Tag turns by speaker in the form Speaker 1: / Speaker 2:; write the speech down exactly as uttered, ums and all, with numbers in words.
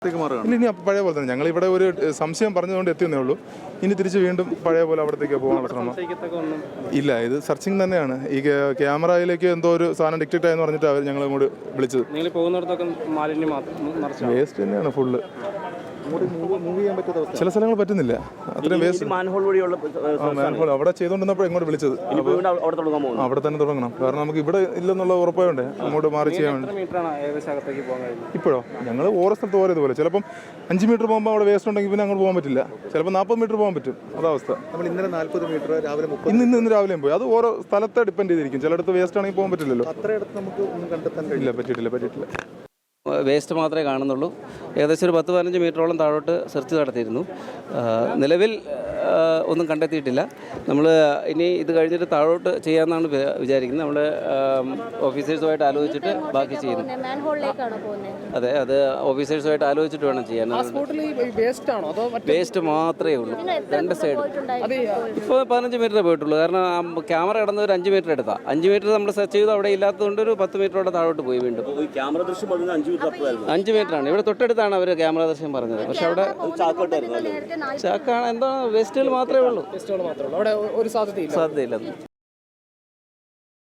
Speaker 1: ഇല്ല, ഇനി പഴയ പോലെ തന്നെ ഞങ്ങൾ ഇവിടെ ഒരു സംശയം പറഞ്ഞുകൊണ്ട് എത്തിയെന്നേ ഉള്ളൂ. ഇനി തിരിച്ച് വീണ്ടും പഴയ പോലെ അവിടത്തേക്ക് പോകാനുള്ള ശ്രമം ഇല്ല. ഇത് സെർച്ചിങ് തന്നെയാണ്. ഈ ക്യാമറയിലേക്ക് എന്തോ ഒരു സാധനം ഡിറ്റക്ട് ആയെന്ന് പറഞ്ഞിട്ട് അവർ ഞങ്ങൾ അങ്ങോട്ട് വിളിച്ചത്. വേസ്റ്റ് തന്നെയാണ് ഫുള്ള്. ചില സ്ഥലങ്ങൾ പറ്റുന്നില്ല. അത്രയും വേസ്റ്റ് മാൻഹോൾ അവിടെ ചെയ്തുകൊണ്ടിരുന്നപ്പോൾ ഇങ്ങോട്ട് വിളിച്ചത് അവിടെ തന്നെ തുടങ്ങണം. കാരണം നമുക്ക് ഇവിടെ ഇല്ലെന്നുള്ള ഉറപ്പായോണ്ട് അങ്ങോട്ട് മാറി ചെയ്യാൻ വേണ്ടി. ഇപ്പോഴോ ഞങ്ങൾ ഓരോ സ്ഥലത്ത് ഓരോ ഇതുപോലെ ചിലപ്പം അഞ്ച് മീറ്റർ പോകുമ്പോൾ അവിടെ വേസ്റ്റ് ഉണ്ടെങ്കിൽ പിന്നെ അങ്ങോട്ട് പോകാൻ പറ്റില്ല. ചിലപ്പോൾ നാൽപ്പത് മീറ്റർ പോകാൻ പറ്റും. അതവസ്ഥ. നമ്മൾ ഇന്നലെ നാൽപ്പത് മീറ്റർ രാവിലെ ഇന്ന് ഇന്ന് ഇന്ന് രാവിലെയും പോയി. അത് ഓരോ സ്ഥലത്തെ ഡിപ്പെൻഡ് ചെയ്തിരിക്കും. ചിലയിടത്ത് വേസ്റ്റ് ആണെങ്കിൽ പോകാൻ പറ്റില്ലല്ലോ. അത്രയിടത്ത് നമുക്ക് ഒന്നും കണ്ടെത്താൻ ഇല്ല. പറ്റിയിട്ടില്ല പറ്റിയിട്ടില്ല
Speaker 2: വേസ്റ്റ് മാത്രമേ കാണുന്നുള്ളൂ. ഏകദേശം ഒരു പത്ത് പതിനഞ്ച് മീറ്ററോളം താഴോട്ട് സെർച്ച് നടത്തിയിരുന്നു. നിലവിൽ ഒന്നും കണ്ടെത്തിയിട്ടില്ല. നമ്മൾ ഇനി ഇത് കഴിഞ്ഞിട്ട് താഴോട്ട് ചെയ്യാമെന്നാണ് വിചാരിക്കുന്നത്. നമ്മൾ ഓഫീസേഴ്സുമായിട്ട് ആലോചിച്ചിട്ട് ബാക്കി ചെയ്യുന്നു. അതെ, അത് ഓഫീസേഴ്സുമായിട്ട് ആലോചിച്ചിട്ട് വേണം ചെയ്യാൻ. വേസ്റ്റ് മാത്രമേ ഉള്ളൂ രണ്ട് സൈഡ്. ഇപ്പോൾ പതിനഞ്ച് മീറ്ററേ പോയിട്ടുള്ളൂ. കാരണം ക്യാമറ കിടന്ന ഒരു അഞ്ച് മീറ്റർ എടുത്താൽ അഞ്ച് മീറ്റർ നമ്മൾ സെർച്ച് ചെയ്ത് അവിടെ ഇല്ലാത്തതുകൊണ്ട് ഒരു പത്ത് മീറ്ററോടെ താഴോട്ട് പോയി. വീണ്ടും
Speaker 3: ക്യാമറ ദൃശ്യം
Speaker 2: അഞ്ച് മീറ്ററാണ്. ഇവിടെ തൊട്ടടുത്താണ് അവർ ക്യാമറ ദൃശ്യം പറഞ്ഞത്. പക്ഷെ അവിടെ ചാക്കാണ്. എന്താ വേസ്റ്റുകൾ മാത്രമേ ഉള്ളൂ. സാധ്യതയില്ല.